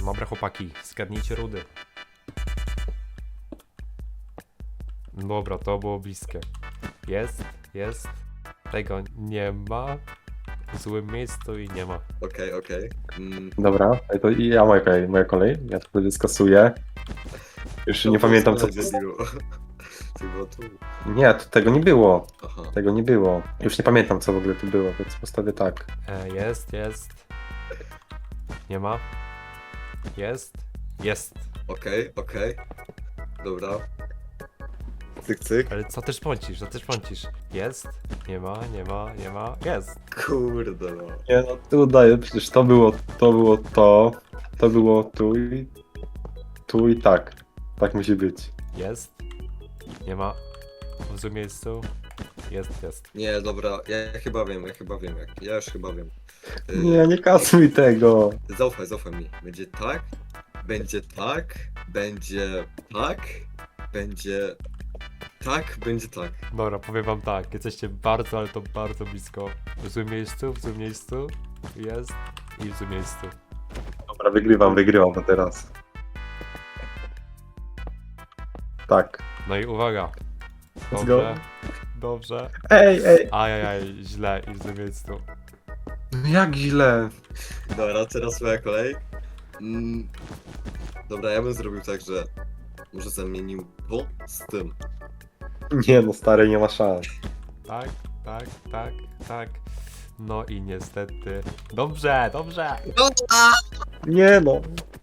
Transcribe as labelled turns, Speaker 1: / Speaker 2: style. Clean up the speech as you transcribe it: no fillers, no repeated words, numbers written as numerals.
Speaker 1: Dobra chłopaki, zgadnijcie rudy. Dobra, to było bliskie. Jest. Tego nie ma. W złym miejscu i nie ma.
Speaker 2: Okej.
Speaker 3: Dobra, to i ja moja kolej. Ja to wtedy skasuję. Już nie pamiętam co.
Speaker 2: To było tu.
Speaker 3: Nie, to tego nie było.
Speaker 2: Aha.
Speaker 3: Tego nie było. Już nie pamiętam co w ogóle tu było, więc postawię tak.
Speaker 1: Jest. Nie ma. Jest.
Speaker 2: Okej. Dobra. Cyk.
Speaker 1: Ale co też pącisz? Jest. Nie ma. Jest.
Speaker 2: Kurde no.
Speaker 3: Nie no, tu udaję, przecież to było to było tu i tak. Tak musi być.
Speaker 1: Jest. Nie ma. W złym miejscu. Jest.
Speaker 2: Nie, dobra, ja chyba wiem. Ja już chyba wiem.
Speaker 3: Nie kasuj tego.
Speaker 2: Zaufaj mi. Będzie tak, będzie tak, będzie tak, będzie tak.
Speaker 1: Dobra, powiem wam tak. Jesteście bardzo, ale to bardzo blisko. W złym miejscu. Jest. I w złym miejscu.
Speaker 3: Dobra, wygrywam to teraz. Tak.
Speaker 1: No i uwaga.
Speaker 3: Let's go.
Speaker 1: Dobrze.
Speaker 3: Ej!
Speaker 1: Ajajaj, źle i w złym miejscu.
Speaker 3: No jak źle?
Speaker 2: Dobra, teraz moja kolej. Dobra, ja bym zrobił tak, że może zamienił to z tym.
Speaker 3: Nie no, stary, nie ma szans.
Speaker 1: Tak. No i niestety. Dobrze.
Speaker 3: Nie no.